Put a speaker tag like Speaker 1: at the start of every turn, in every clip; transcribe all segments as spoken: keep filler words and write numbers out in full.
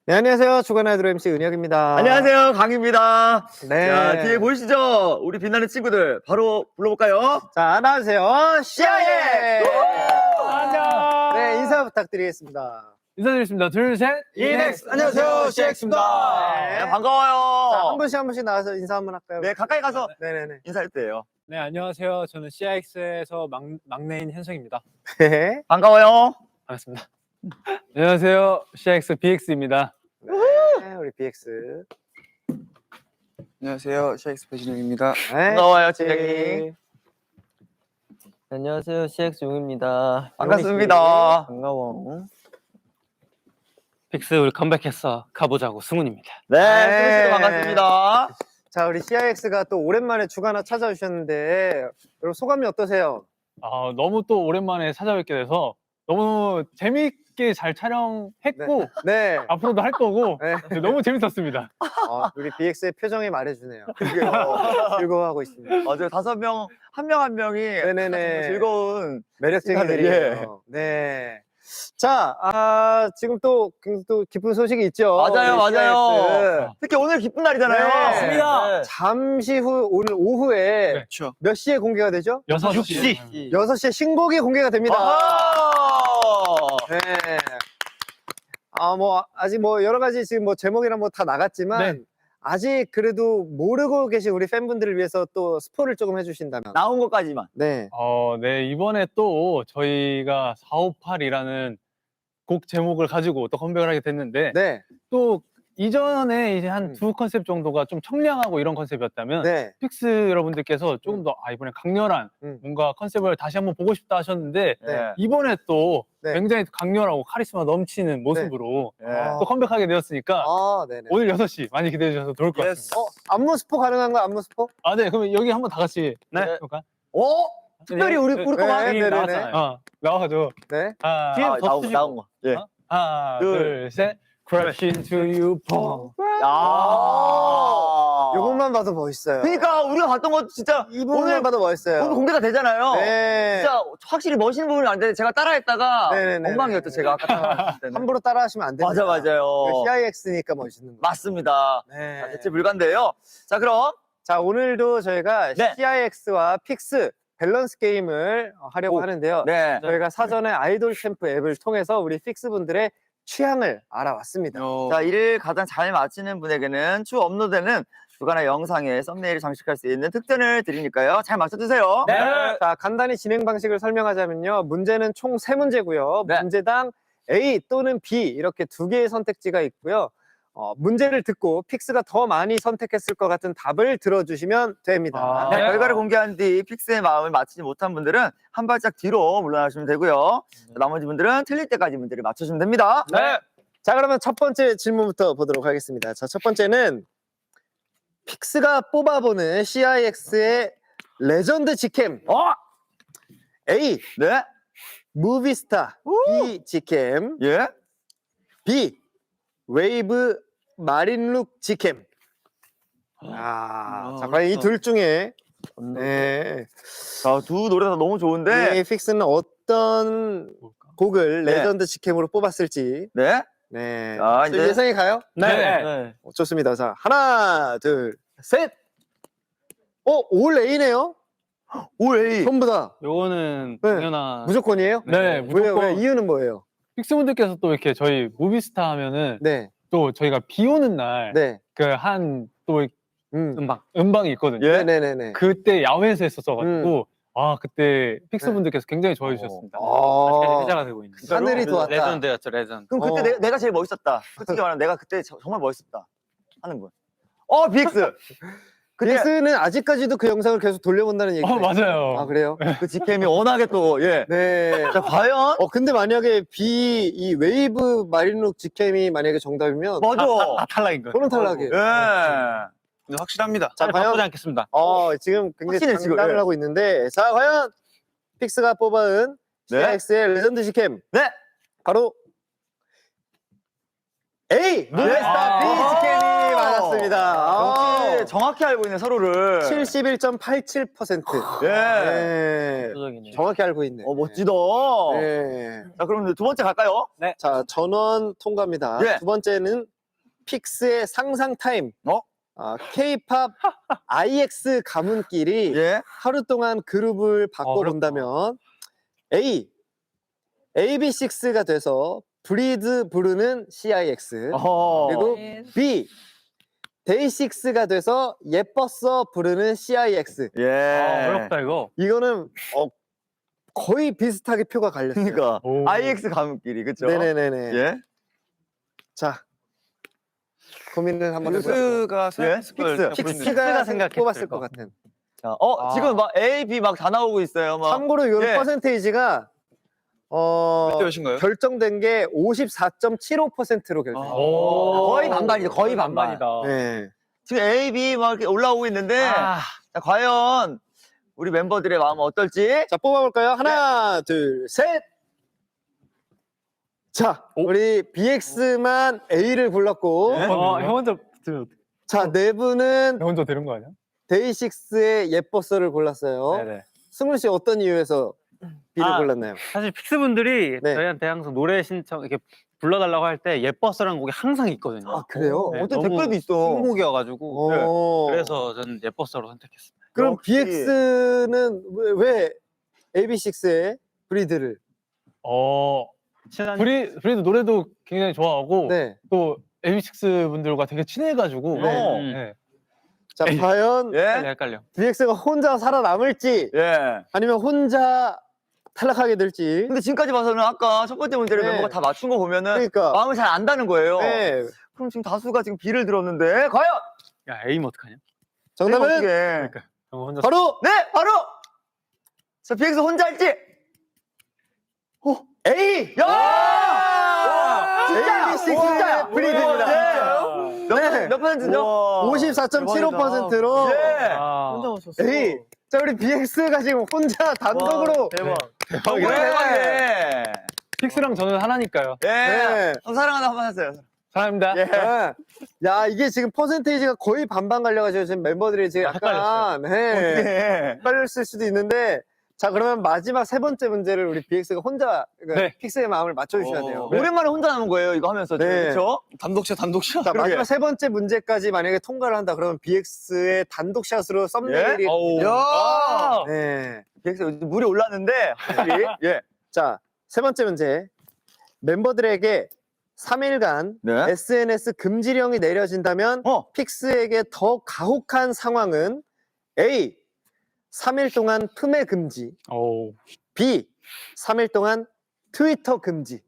Speaker 1: 네, 안녕하세요. 주간 아이돌 엠씨 은혁입니다.
Speaker 2: 안녕하세요, 강입니다.
Speaker 1: 네.
Speaker 2: 자, 뒤에 보이시죠? 우리 빛나는 친구들 바로 불러볼까요?
Speaker 1: 자, 안녕하세요. 씨아이엑스!
Speaker 3: 안녕.
Speaker 1: 네, 인사 부탁드리겠습니다.
Speaker 3: 인사드리겠습니다. 둘, 셋.
Speaker 2: 이넥스. 안녕하세요, 씨엑스입니다.
Speaker 1: 네.
Speaker 2: 네, 반가워요.
Speaker 1: 자, 한 분씩 한 분씩 나와서 인사 한번 할까요?
Speaker 2: 네, 가까이 가서
Speaker 1: 네네네.
Speaker 2: 인사할 때예요.
Speaker 3: 네, 안녕하세요. 저는 씨아이엑스에서 막, 막내인 현성입니다.
Speaker 1: 네.
Speaker 2: 반가워요.
Speaker 3: 반갑습니다. 안녕하세요. 씨아이엑스 비엑스입니다.
Speaker 1: 네, 우리 비엑스.
Speaker 4: 안녕하세요. 씨아이엑스 배진영입니다.
Speaker 1: 네.
Speaker 2: 반가워요, 진영이.
Speaker 5: 안녕하세요. 씨엑스 용입니다.
Speaker 2: 반갑습니다.
Speaker 5: 반가워.
Speaker 3: 빅스 우리 컴백했어. 가보자고 승훈입니다.
Speaker 2: 네,
Speaker 1: 네.
Speaker 2: 승우 씨도 반갑습니다.
Speaker 1: 자, 우리 씨아이엑스가 또 오랜만에 주간화 찾아주셨는데, 여러분 소감이 어떠세요?
Speaker 3: 아, 너무 또 오랜만에 찾아뵙게 돼서 너무 재밌게 잘 촬영했고
Speaker 1: 네.
Speaker 3: 앞으로도 할 거고
Speaker 1: 네.
Speaker 3: 너무 재밌었습니다.
Speaker 1: 어, 우리 비엑스의 표정이 말해주네요.
Speaker 2: 그게요.
Speaker 1: 즐거워하고 있습니다.
Speaker 2: 맞아요. 다섯 명, 한 명 한 명이
Speaker 1: 네네네.
Speaker 2: 즐거운.
Speaker 1: 매력적인들이에요. 네. 자, 아, 지금 또, 굉장히 또 기쁜 소식이 있죠.
Speaker 2: 맞아요,
Speaker 1: 우리
Speaker 2: 맞아요.
Speaker 1: 씨아이엑스.
Speaker 2: 특히 오늘 기쁜 날이잖아요.
Speaker 1: 네.
Speaker 2: 맞습니다.
Speaker 1: 잠시 후, 오늘 오후에
Speaker 3: 네.
Speaker 4: 그렇죠.
Speaker 1: 몇 시에 공개가 되죠?
Speaker 3: 여섯
Speaker 2: 시.
Speaker 3: 시.
Speaker 1: 여섯 시에 신곡이 공개가 됩니다.
Speaker 2: 아하!
Speaker 1: 네. 아, 뭐, 아직 뭐, 여러 가지 지금 뭐, 제목이랑 뭐 다 나갔지만,
Speaker 3: 네.
Speaker 1: 아직 그래도 모르고 계신 우리 팬분들을 위해서 또 스포를 조금 해주신다면.
Speaker 2: 나온 것까지만.
Speaker 1: 네.
Speaker 3: 어, 네, 이번에 또 저희가 사오팔이라는 곡 제목을 가지고 또 컴백을 하게 됐는데
Speaker 1: 네.
Speaker 3: 또 이전에 이제 한
Speaker 1: 음.
Speaker 3: 두 컨셉 정도가 좀 청량하고 이런 컨셉이었다면
Speaker 1: 네.
Speaker 3: 픽스 여러분들께서 조금 더 아, 이번에 강렬한
Speaker 1: 음.
Speaker 3: 뭔가 컨셉을 다시 한번 보고 싶다 하셨는데
Speaker 1: 네.
Speaker 3: 이번에 또
Speaker 1: 네.
Speaker 3: 굉장히 강렬하고 카리스마 넘치는 모습으로
Speaker 2: 네.
Speaker 1: 아.
Speaker 3: 또 컴백하게 되었으니까
Speaker 1: 아, 네네.
Speaker 3: 오늘 여섯 시 많이 기대해 주셔서 좋을 것
Speaker 2: 예스.
Speaker 3: 같습니다.
Speaker 1: 어, 안무 스포 가능한 거 안무 스포?
Speaker 3: 아, 네, 그러면 여기 한번 다 같이
Speaker 2: 네.
Speaker 3: 해볼까?
Speaker 2: 오! 특별히 우리, 우리 거만
Speaker 1: 네,
Speaker 2: 하기
Speaker 1: 네, 네,
Speaker 2: 나왔잖아요.
Speaker 3: 어, 나와가지고
Speaker 1: 네.
Speaker 3: 하나,
Speaker 2: 뒤에
Speaker 3: 더
Speaker 2: 나온,
Speaker 3: 쓰시고.
Speaker 2: 나온 거. 예.
Speaker 3: 어? 하나,
Speaker 2: 둘.
Speaker 3: 둘, 셋. Crash into you, 펑.
Speaker 2: 야.
Speaker 1: 요것만 봐도 멋있어요.
Speaker 2: 그러니까 우리가 봤던 거 진짜
Speaker 1: 이 부분만
Speaker 2: 오늘
Speaker 1: 봐도 멋있어요.
Speaker 2: 오늘 공개가 되잖아요.
Speaker 1: 네.
Speaker 2: 진짜 확실히 멋있는 부분이 안 되는데 제가 따라했다가
Speaker 1: 네네네.
Speaker 2: 엉망이었죠. 제가 아까 따라했을 때는.
Speaker 1: 함부로 따라하시면 안 됩니다.
Speaker 2: 맞아 맞아요.
Speaker 1: 씨아이엑스니까 멋있는 거.
Speaker 2: 맞습니다.
Speaker 1: 네.
Speaker 2: 자, 대체 불가인데요. 자 그럼
Speaker 1: 자, 오늘도 저희가
Speaker 2: 네.
Speaker 1: 씨아이엑스와 픽스 밸런스 게임을 하려고
Speaker 2: 오.
Speaker 1: 하는데요.
Speaker 2: 네.
Speaker 1: 저희가 사전에 아이돌 캠프 앱을 통해서 우리 픽스 분들의 취향을 알아왔습니다.
Speaker 4: 어,
Speaker 2: 자 이를 가장 잘 맞히는 분에게는 추후 업로드되는 주간의 영상에 썸네일을 장식할 수 있는 특전을 드리니까요. 잘 맞춰주세요.
Speaker 3: 네.
Speaker 1: 자, 간단히 진행 방식을 설명하자면요. 문제는 총 세 문제고요.
Speaker 2: 네.
Speaker 1: 문제당 A 또는 B 이렇게 두 개의 선택지가 있고요. 어, 문제를 듣고 픽스가 더 많이 선택했을 것 같은 답을 들어주시면 됩니다.
Speaker 3: 아,
Speaker 2: 네,
Speaker 3: 네.
Speaker 2: 결과를 공개한 뒤 픽스의 마음을 맞히지 못한 분들은 한 발짝 뒤로 물러나시면 되고요. 자, 나머지 분들은 틀릴 때까지 문제를 맞춰주면 됩니다.
Speaker 3: 네.
Speaker 1: 자, 그러면 첫 번째 질문부터 보도록 하겠습니다. 자, 첫 번째는 픽스가 뽑아보는 씨아이엑스의 레전드 직캠.
Speaker 2: 어?
Speaker 1: A.
Speaker 2: 네?
Speaker 1: 무비스타. B. 직캠.
Speaker 2: 예?
Speaker 1: B. 웨이브 마린룩 직캠. 아,
Speaker 4: 아,
Speaker 1: 자, 과연 이
Speaker 4: 어렵다.
Speaker 1: 둘 중에 네,
Speaker 2: 자, 두 노래 다 너무 좋은데.
Speaker 1: 이 픽스는 어떤
Speaker 3: 뭘까?
Speaker 1: 곡을
Speaker 2: 네.
Speaker 1: 레전드 직캠으로 뽑았을지.
Speaker 2: 네?
Speaker 1: 네,
Speaker 2: 자,
Speaker 1: 저
Speaker 2: 이제-
Speaker 1: 예상이 가요?
Speaker 3: 네.
Speaker 2: 네.
Speaker 1: 어, 좋습니다. 자, 하나, 둘, 셋. 어, 올 A네요?
Speaker 2: 올 A.
Speaker 1: 전부 다
Speaker 3: 요거는
Speaker 1: 네.
Speaker 3: 당연한.
Speaker 1: 무조건이에요?
Speaker 3: 네,
Speaker 1: 왜요?
Speaker 3: 무조건.
Speaker 1: 왜? 이유는 뭐예요?
Speaker 3: 픽스분들께서 또 이렇게 저희 무비스타 하면은
Speaker 1: 네,
Speaker 3: 또 저희가 비 오는 날
Speaker 1: 네,
Speaker 3: 그 한 또
Speaker 1: 음,
Speaker 3: 음방 음방이 있거든요.
Speaker 2: 예?
Speaker 1: 네네네.
Speaker 3: 그때 야외에서 했었어가지고
Speaker 1: 음.
Speaker 3: 아 그때 픽스분들께서 굉장히 좋아해 주셨습니다.
Speaker 1: 어,
Speaker 3: 회자가 되고 있는.
Speaker 1: 하늘이
Speaker 2: 진짜로?
Speaker 1: 도왔다.
Speaker 3: 레전드였죠, 레전드.
Speaker 2: 그럼 그때
Speaker 1: 어.
Speaker 2: 내, 내가 제일 멋있었다. 솔직히 말하면 내가 그때 저- 정말 멋있었다. 하는 분. 어, 비엑스. 그때
Speaker 1: 빅스는 아직까지도 그 영상을 계속 돌려본다는 얘기예요.
Speaker 3: 어 맞아요.
Speaker 1: 아, 그래요?
Speaker 2: 그 직캠이 워낙에 또, 예.
Speaker 1: 네.
Speaker 2: 자, 과연?
Speaker 1: 어, 근데 만약에 B, 이 웨이브 마린룩 직캠이 만약에 정답이면
Speaker 2: 맞아.
Speaker 3: 아, 탈락인 거예요.
Speaker 1: 그런 탈락이에요.
Speaker 2: 예.
Speaker 4: 근데 확실합니다.
Speaker 1: 자, 과연
Speaker 3: 바꾸지 않겠습니다.
Speaker 1: 어, 지금 굉장히
Speaker 2: 확실해, 지금.
Speaker 1: 장담을
Speaker 2: 예.
Speaker 1: 하고 있는데, 자, 과연 픽스가 뽑아은
Speaker 2: 네.
Speaker 1: 씨아이엑스의 레전드 직캠
Speaker 2: 네.
Speaker 1: 바로 A 무베스타
Speaker 2: 아.
Speaker 1: B 직캠이 맞았습니다.
Speaker 2: 역시 정확히 알고 있는 서로를.
Speaker 1: 칠십일 점 팔칠 퍼센트.
Speaker 2: 예.
Speaker 1: 네.
Speaker 5: 압도적이네요.
Speaker 1: 정확히 알고 있네.
Speaker 2: 어, 멋지다.
Speaker 1: 네.
Speaker 2: 자, 그럼 두 번째 갈까요?
Speaker 1: 자, 전원 통과입니다.
Speaker 2: 예.
Speaker 1: 두 번째는 픽스의 상상 타임.
Speaker 2: 어?
Speaker 1: 아, K-팝 아이엑스 가문끼리
Speaker 2: 예.
Speaker 1: 하루 동안 그룹을 바꿔본다면 A, 에이비식스가 돼서 브리드 부르는 씨아이엑스.
Speaker 2: 어.
Speaker 1: 그리고 B, 데이식스가 돼서 예뻤어 부르는 씨아이엑스.
Speaker 2: 예.
Speaker 3: 아, 어렵다 이거.
Speaker 1: 이거는 어, 거의 비슷하게 표가 갈렸어요.
Speaker 2: 그러니까
Speaker 3: 오.
Speaker 2: 아이엑스 가문끼리 그렇죠?
Speaker 1: 네네네네.
Speaker 2: 예.
Speaker 1: 자, 고민을 한번 해보세요.
Speaker 4: 픽스가
Speaker 2: 예?
Speaker 4: 생각했을 걸
Speaker 2: 픽스.
Speaker 4: 픽스.
Speaker 1: 픽스가
Speaker 3: 생각했을
Speaker 1: 뽑았을 것
Speaker 3: 거.
Speaker 1: 같은.
Speaker 2: 자, 어
Speaker 3: 아.
Speaker 2: 지금 막 A, B 막 다 나오고 있어요. 막.
Speaker 1: 참고로 이거는
Speaker 2: 예.
Speaker 1: 퍼센테이지가 어,
Speaker 4: 몇 대몇인가요?
Speaker 1: 결정된 게 오십사 점 칠오 퍼센트로 결정.
Speaker 4: 아.
Speaker 3: 오.
Speaker 2: 거의 반반이죠. 거의 반반.
Speaker 3: 반반이다.
Speaker 1: 네.
Speaker 2: 지금 A, B 막 이렇게 올라오고 있는데
Speaker 3: 아,
Speaker 2: 자, 과연 우리 멤버들의 마음은 어떨지?
Speaker 1: 자, 뽑아볼까요? 하나, 둘, 셋. 자, 우리 비엑스만 A를 골랐고,
Speaker 2: 네?
Speaker 3: 어, 형 혼자 들으면 어떡해?
Speaker 1: 자, 네 분은
Speaker 3: 형 혼자 되는 거 아니야?
Speaker 1: 데이식스의 예뻐서를 골랐어요.
Speaker 3: 네네.
Speaker 1: 승훈 씨 어떤 이유에서 B를
Speaker 6: 아,
Speaker 1: 골랐나요?
Speaker 6: 사실 픽스분들이
Speaker 1: 네.
Speaker 6: 저희한테 항상 노래 신청 이렇게 불러달라고 할 때 예뻤어라는 곡이 항상 있거든요.
Speaker 1: 아, 그래요?
Speaker 6: 네,
Speaker 2: 어떤
Speaker 6: 너무
Speaker 2: 댓글도 있어.
Speaker 6: 신곡이어가지고
Speaker 1: 어.
Speaker 6: 그래서 저는 예뻤어로 선택했습니다.
Speaker 1: 그럼
Speaker 2: 역시.
Speaker 1: 비엑스는 왜, 왜 에이비식스의 브리드를?
Speaker 3: 어,
Speaker 6: 친한
Speaker 3: 브리 브리도 노래도 굉장히 좋아하고
Speaker 1: 네.
Speaker 3: 또 에이비식스 분들과 되게 친해가지고.
Speaker 2: 네.
Speaker 3: 네.
Speaker 1: 자, 과연
Speaker 2: 예?
Speaker 6: 헷갈려 헷갈려.
Speaker 1: 비엑스가 혼자 살아남을지
Speaker 2: 예.
Speaker 1: 아니면 혼자 탈락하게 될지.
Speaker 2: 근데 지금까지 봐서는 아까 첫 번째 문제를
Speaker 1: 네.
Speaker 2: 멤버가 다 맞춘 거 보면은
Speaker 1: 그러니까.
Speaker 2: 마음을 잘 안다는 거예요.
Speaker 1: 네.
Speaker 2: 그럼 지금 다수가 지금 B를 들었는데 과연
Speaker 6: 야 에임 어떡하냐?
Speaker 1: 정답은
Speaker 2: 어떻게?
Speaker 6: 형 혼자
Speaker 1: 바로
Speaker 2: 네, 바로 자 비엑스 혼자 할지. 오, A. 야! 와! 진짜야.
Speaker 1: 에이비식스의
Speaker 2: 진짜야.
Speaker 1: 브리드입니다.
Speaker 2: 네. 몇,
Speaker 1: 네.
Speaker 2: 몇 퍼센트죠?
Speaker 1: 오십사 점 칠오 퍼센트로
Speaker 2: 예.
Speaker 6: 아,
Speaker 4: 맞췄어.
Speaker 1: 에이. 자, 우리 비엑스가 지금 혼자 단독으로
Speaker 4: 대박.
Speaker 2: 대박이네. 대박이네.
Speaker 3: 픽스랑 저는 하나니까요.
Speaker 2: 예.
Speaker 1: 네.
Speaker 2: 어, 사랑하다 한번 하세요.
Speaker 3: 사랑합니다.
Speaker 2: 예.
Speaker 1: 네. 야, 이게 지금 퍼센테이지가 거의 반반 갈려가지고 지금 멤버들이 지금
Speaker 3: 아,
Speaker 1: 약간 네.
Speaker 2: 예.
Speaker 1: 헷갈렸을 수도 있는데, 자, 그러면 마지막 세 번째 문제를 우리 비엑스가 혼자 그러니까
Speaker 3: 네.
Speaker 1: 픽스의 마음을 맞춰주셔야
Speaker 2: 어,
Speaker 1: 돼요.
Speaker 2: 오랜만에 혼자 남은 거예요. 이거 하면서 지금
Speaker 1: 네.
Speaker 2: 그렇죠?
Speaker 4: 단독샷 단독샷.
Speaker 1: 자,
Speaker 2: 그러게.
Speaker 1: 마지막 세 번째 문제까지 만약에 통과를 한다 그러면 비엑스의 단독샷으로 썸네일이
Speaker 2: 예?
Speaker 3: 어우.
Speaker 2: 야!
Speaker 3: 아.
Speaker 1: 네.
Speaker 2: 비엑스 요즘 물이 올랐는데 확실히 예.
Speaker 1: 자, 세 번째 문제. 멤버들에게 삼 일간
Speaker 2: 네.
Speaker 1: 에스엔에스 금지령이 내려진다면
Speaker 2: 어.
Speaker 1: 픽스에게 더 가혹한 상황은 A. 삼 일 동안 품에 금지.
Speaker 3: 오.
Speaker 1: B. 삼 일 동안 트위터 금지.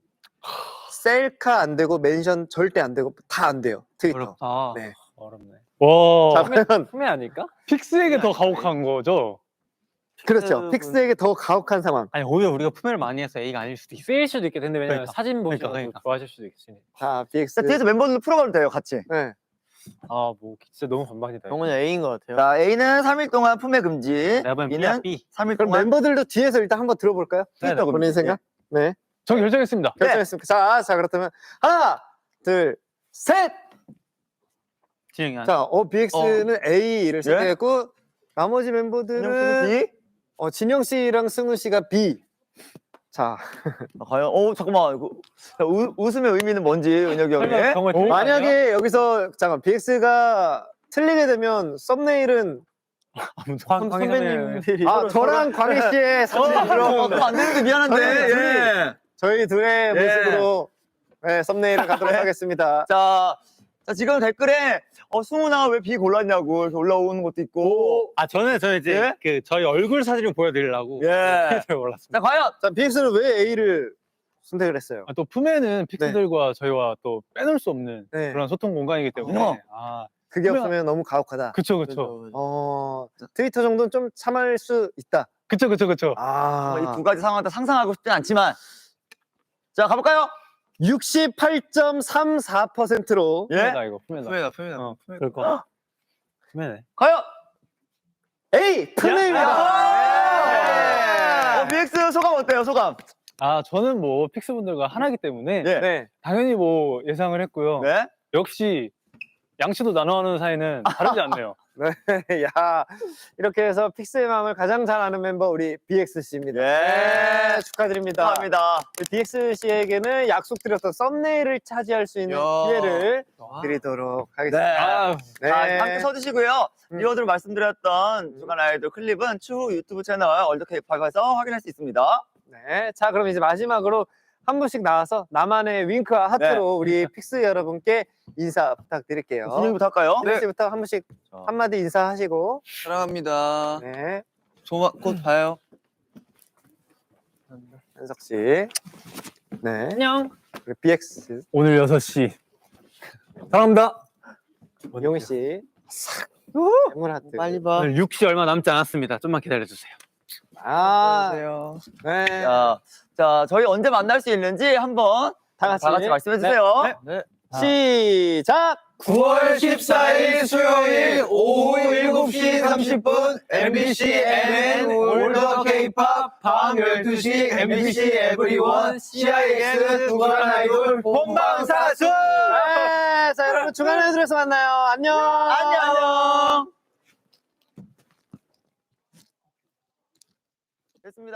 Speaker 1: 셀카 안 되고 멘션 절대 안 되고 다 안 돼요. 트위터.
Speaker 6: 어렵다.
Speaker 1: 네.
Speaker 6: 어렵네.
Speaker 3: 와.
Speaker 1: 자, 그러면
Speaker 6: 품에 아닐까?
Speaker 3: 픽스에게 더 가혹한 거죠.
Speaker 1: 그렇죠. 픽스에게 더 가혹한 상황.
Speaker 6: 아니 오히려 우리가 품에를 많이 해서 A가 아닐 수도 있어.
Speaker 5: 쓰일 수도 있겠는데 왜냐면
Speaker 3: 그러니까.
Speaker 5: 사진 보시고
Speaker 6: 그러니까, 그러니까.
Speaker 5: 좋아하실 수도 있으니.
Speaker 1: 자, 비엑스.
Speaker 2: 자, 뒤에서 멤버들 풀어가도 돼요, 같이.
Speaker 1: 네.
Speaker 3: 아, 뭐 진짜 너무 반반이다.
Speaker 5: 영훈이 A인 것 같아요.
Speaker 2: 자, A는 삼 일 동안 품에 금지.
Speaker 6: 내가 보면 B야
Speaker 2: B는
Speaker 6: B.
Speaker 2: 삼 일
Speaker 1: 그럼
Speaker 2: 동안
Speaker 1: 멤버들도 뒤에서 일단 한번 들어볼까요?
Speaker 3: 네네.
Speaker 1: 트위터 본인 생각? 네.
Speaker 3: 저 결정했습니다.
Speaker 2: 네.
Speaker 1: 결정했습니다. 자, 자, 그렇다면 하나, 둘, 셋!
Speaker 6: 진영이 한.
Speaker 1: 자, 어, 비엑스는 A를 선택했고, 나머지
Speaker 2: 그냥
Speaker 1: 멤버들은
Speaker 2: B.
Speaker 1: 어, 진영 씨랑 승우 씨가 B. 자,
Speaker 2: 아, 과연, 어, 잠깐만. 이거, 자, 우, 웃음의 의미는 뭔지, 은혁이 형이.
Speaker 3: 설마 정말 틀린 거 아니야?
Speaker 1: 만약에 여기서 잠깐 비엑스가 틀리게 되면 썸네일은
Speaker 6: 광-
Speaker 5: 선배님들이
Speaker 1: 아, 저랑 광희 씨의 사진이
Speaker 2: 어,
Speaker 1: 들어오는
Speaker 2: 그럼 안 되는데 미안한데.
Speaker 1: 저희 둘이.
Speaker 2: 예.
Speaker 1: 저희 둘의
Speaker 2: 예.
Speaker 1: 모습으로 네, 썸네일을 가도록
Speaker 2: 네.
Speaker 1: 하겠습니다.
Speaker 2: 자, 자, 지금 댓글에, 어, 승훈아 왜 B 골랐냐고 이렇게 올라오는 것도 있고.
Speaker 6: 아 저는 저 이제
Speaker 2: 예?
Speaker 6: 그 저희 얼굴 사진을 보여드리려고
Speaker 2: 예.
Speaker 6: 잘 몰랐습니다.
Speaker 2: 자, 과연.
Speaker 1: 자, 비엑스는 왜 A를 선택을 했어요?
Speaker 3: 아, 또 품에는 픽스들과 저희와 또 빼놓을 수 없는
Speaker 1: 네.
Speaker 3: 그런 소통 공간이기 때문에.
Speaker 2: 어.
Speaker 3: 아,
Speaker 1: 그게
Speaker 3: 그러면-
Speaker 1: 없으면 너무 가혹하다.
Speaker 3: 그쵸, 그쵸.
Speaker 1: 어, 트위터 정도는 좀 참을 수 있다.
Speaker 3: 그쵸, 그쵸, 그쵸.
Speaker 1: 아,
Speaker 2: 이 두 가지 상황을 다 상상하고 싶진 않지만. 자, 가볼까요?
Speaker 1: 육십팔 점 삼사 퍼센트로
Speaker 2: 예?
Speaker 3: 품에다, 이거, 품에다.
Speaker 4: 품에다 품에다.
Speaker 3: 어,
Speaker 4: 품에다.
Speaker 3: 그럴 거. 품에네.
Speaker 2: 과연.
Speaker 1: A 품에입니다.
Speaker 2: 야! 어, 비엑스 소감 어때요, 소감?
Speaker 3: 아, 저는 뭐 픽스분들과 하나이기 때문에
Speaker 2: 예.
Speaker 1: 네.
Speaker 3: 당연히 뭐 예상을 했고요.
Speaker 2: 네.
Speaker 3: 역시 양치도 나눠하는 사이는 다르지 않네요.
Speaker 1: 네, 야, 이렇게 해서 픽스의 마음을 가장 잘 아는 멤버 우리 비엑스 씨입니다.
Speaker 2: 예.
Speaker 1: 네, 축하드립니다.
Speaker 2: 감사합니다.
Speaker 1: 비엑스 씨에게는 약속드렸던 썸네일을 차지할 수 있는
Speaker 4: 야.
Speaker 1: 기회를 드리도록
Speaker 2: 네.
Speaker 1: 하겠습니다.
Speaker 3: 아,
Speaker 1: 네.
Speaker 2: 자, 함께 서주시고요.
Speaker 1: 음.
Speaker 2: 리워드로 말씀드렸던 주간 아이돌 클립은 추후 유튜브 채널 월드케이팝에서 확인할 수 있습니다.
Speaker 1: 네. 자, 그럼 이제 마지막으로 한 분씩 나와서 나만의 윙크와 하트로
Speaker 2: 네.
Speaker 1: 우리 픽스 여러분께 인사 부탁드릴게요.
Speaker 2: 준비부터 할까요?
Speaker 1: 네. 씨부터 한 분씩
Speaker 2: 자.
Speaker 1: 한마디 인사하시고.
Speaker 4: 사랑합니다.
Speaker 1: 네.
Speaker 4: 조마, 곧 봐요.
Speaker 1: 현석 씨. 네.
Speaker 6: 안녕.
Speaker 1: 그리고 비엑스
Speaker 3: 오늘 여섯 시 사랑합니다.
Speaker 1: 용희 씨. 물 하트.
Speaker 5: 빨리 봐.
Speaker 6: 오늘 육 시 얼마 남지 않았습니다. 좀만 기다려주세요.
Speaker 1: 아.
Speaker 4: 안녕하세요.
Speaker 1: 네.
Speaker 2: 자, 자, 저희 언제 만날 수 있는지 한번
Speaker 1: 다 같이,
Speaker 2: 다 같이 말씀해 주세요.
Speaker 1: 네. 시작.
Speaker 4: 구월 십사일 수요일 오후 일곱 시 삼십 분 엠비씨 엠엔 월더 케이팝 밤 열두 시 엠비씨 에브리원 씨아이엑스 두관 아이돌 본방사수.
Speaker 1: 네. 자, 여러분 주간 아이돌에서 만나요. 안녕.
Speaker 2: 안녕. 됐습니다.